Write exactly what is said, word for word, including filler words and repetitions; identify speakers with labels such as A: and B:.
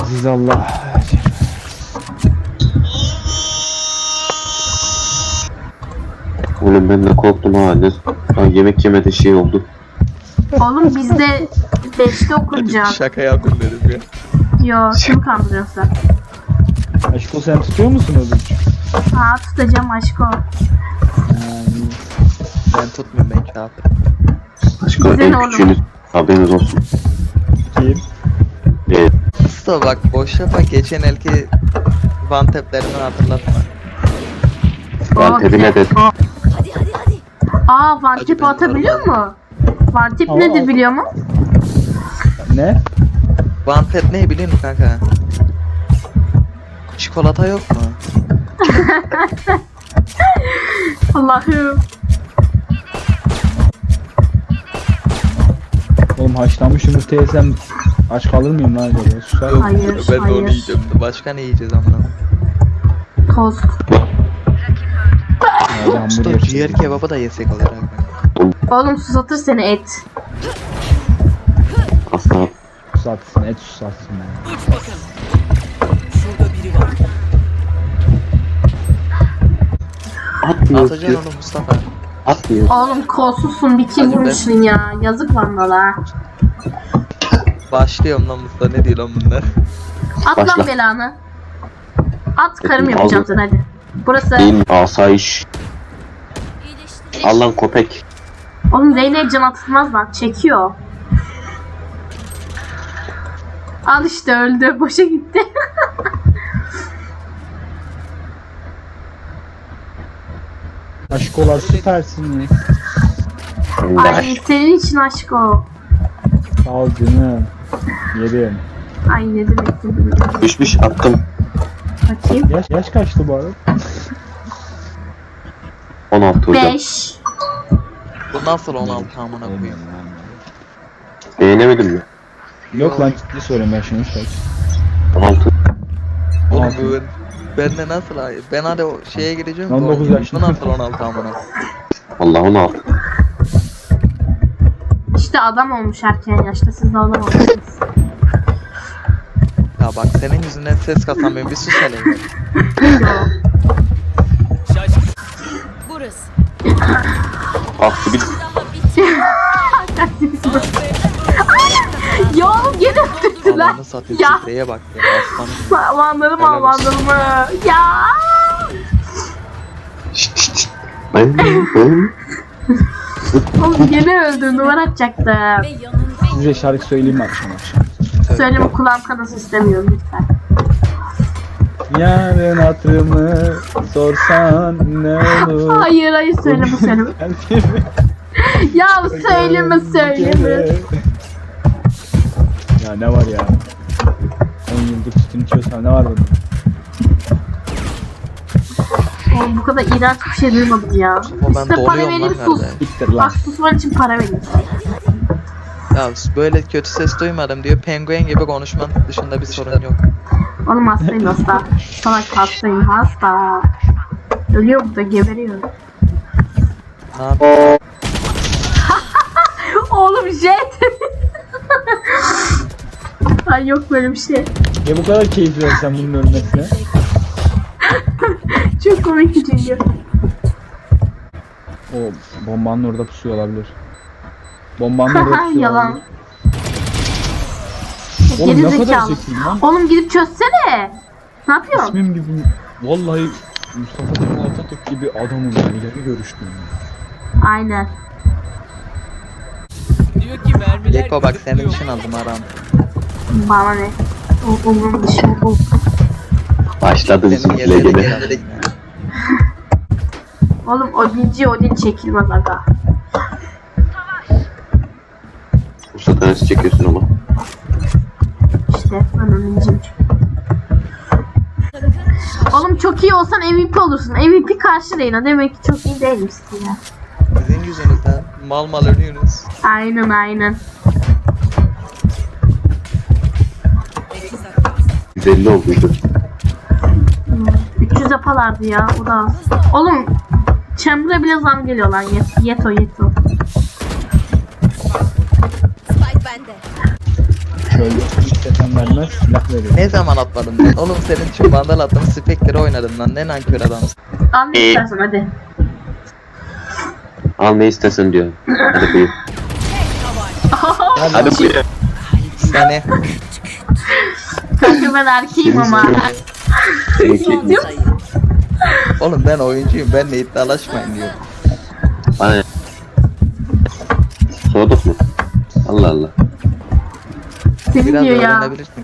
A: Aziz Allah.
B: Oğlum ben de korktum ha. Ne? Ha, yemek yemede şey oldu.
C: Oğlum biz de beşte okunacağız.
D: Şaka yaptım dedim ya.
C: Yo, kim kandırıyorsa.
A: Aşko sen tutuyor musun ödünç?
C: Aa, tutacağım aşko.
A: Yani
D: Ben tutmuyorum, ben kağıt.
B: Başka
C: Güzel
B: en
C: oğlum.
B: küçüğünüz haberiniz olsun.
A: kim?
B: Evet.
D: Usta bak boş yapma, geçen elki van teplerini hatırlatma.
B: Ben tebine de
C: Aa, Aa vantip
D: ben
C: atabiliyor mu? Vantip
A: Aa,
C: nedir
A: at.
C: biliyor mu?
A: Ne?
D: Van tep ne biliyor musun kanka? Çikolata yok mu?
C: Allah'ım.
A: Oğlum haşlanmış yumurta yesem aç kalır mıyım lan acaba? Susar mısın?
C: Hayır,
D: Ben de onu
C: hayır.
D: yiyeceğim. Başka ne yiyeceğiz amına?
C: Tost.
A: Hadi
D: Usta
A: hamburger.
D: ciğer kebabı da yesek olur abi.
C: Oğlum susatır seni et.
B: asla
A: Susatsın, et susatsın yani.
E: Uç bakalım. Şurada biri var.
B: atmıyor.
D: Atacaksın onu Mustafa.
B: Atmıyor.
C: Oğlum kolsuzsun bir kim
D: Hadi be.
C: vurmuşsun ya. Yazık vandala.
D: Başlıyorum lan Mustafa, ne diyor lan bunlar?
C: At
B: Başla.
C: lan belanı. At karım
B: Al.
C: yapacağım sana hadi. Burası.
B: Değil asayiş. Al lan köpek.
C: Oğlum Zeynep can atılmaz lan. Çekiyor. Al işte öldü. Boşa gitti.
A: Aşkolar süpersin ya.
C: Ay senin için aşk o.
A: Sağ ol canım. Yerim.
C: Ay ne demek ne demek.
B: Düşmüş attım.
C: Bakayım.
A: Yaş, yaş kaçtı bu arada?
B: on altı hocam.
C: beş.
D: Bu nasıl on altı amına koyayım?
B: Beğenemedim mi?
A: Yok lan ciddi soruyorum ben şunu kaç.
B: on altı.
D: Oğlum
A: on altı.
D: bu ben, ben de nasıl ay? Ben hadi o şeye gireceğim.
A: on dokuz
D: bu-
A: yaşında.
D: Bu nasıl on altı amına?
B: Allah on altı.
C: İşte adam olmuş erken yaşta. Siz de adam olmuşsunuz.
D: Ya bak senin yüzünden ses kasamıyorum, bir sus hele.
C: Yok.
E: Şaşkın. Burası.
B: Aktı bir
C: Ya oğlum gene öldürdüler.
D: Allah'ını satayım,
C: Ya.
D: spreye bak ya aslanım.
C: Vandalım
D: Helal
C: al
D: olsun.
C: vandalımı. Ya.
B: şşt şşt şşt. Ben ben
C: Oğlum gene öldü. Numara atacaktım.
E: Ve yanında
A: Size şarkı söyleyeyim mi akşam akşam?
C: Söyleme kulağım kanası istemiyorum lütfen.
A: Yarın hatırımı sorsan ne olur?
C: Hayır hayır söyleme söyleme. Ya söyleme söyleme.
A: Ya ne var ya? on yıldır sütün içiyorsan ne var bunda?
C: Oğlum bu kadar iğrenç bir şey duymadım ya.
D: Ama ben
C: İşte para
D: donuyorum lan
C: vereyim sus.
D: galiba.
A: Siktir lan.
C: Bak susman için para vereyim.
D: Ya böyle kötü ses duymadım diyor. Penguen gibi konuşman dışında bir sorun yok.
C: Oğlum hastayım hasta. Salak hastayım hasta. Ölüyor burada geberiyor.
D: Ne yapayım?
C: Oğlum jet. Ay yok böyle bir şey.
A: Ya bu kadar keyif versen bunun ölmesine.
C: Çok komik çünkü.
A: O bombanın orada pusuyor olabilir. Bombanın orada pusuyor
C: Yalan.
A: olabilir. Oğlum
C: Geri
A: ne kadar
C: zekalı.
A: zekiyim lan.
C: Oğlum gidip çözsene. Ne yapıyorsun?
A: İsmim gibi. Vallahi Mustafa Kemal Atatürk gibi adamım ya. İleri görüştüm.
C: Aynen.
E: diyor ki mermiler
D: Yeko bak senin
E: gıdıklıyor.
D: için aldım aram.
C: Bana ne? O umurum dışı bu.
B: başladı
D: Senin
B: bizimkiler
D: yerine
B: gene.
D: geldik.
C: Oğlum Odinci Odin çekilmez aga.
B: Usta tanesi çekiyorsun ama.
C: İşte ben Odinciyim. Oğlum çok iyi olsan M V P olursun. M V P karşı Reyna. Demek ki çok iyi değilmişsin ya.
D: Sizin yüzünüzden mal mal ölüyorsunuz.
C: Aynen aynen.
B: yüz elli olduydu.
C: üç yüz yapalardı ya o da az. Oğlum Chamber'a bile zam geliyor lan. Yet, yeto yeto.
F: Spike bende.
A: Şöyle. istesen vermez, silah veriyor.
D: Ne zaman atmadım ben? Oğlum senin için vandal attım, Spectre oynadım lan. Ne nankör adamsın.
C: Al ne
B: Ee.
C: istersen hadi.
B: Al ne istersen diyor. Hadi buyur. Hadi buyur.
D: Seni.
C: Kanka ben erkeğim ama.
B: Seninki.
E: Son sayı.
D: Oğlum ben oyuncuyum. Benle iddialaşmayın diyorum.
B: Bana. Soğuduk mu? Allah Allah.
C: Seni
D: Biraz
C: diyor ya.
D: öğrenebilirsin.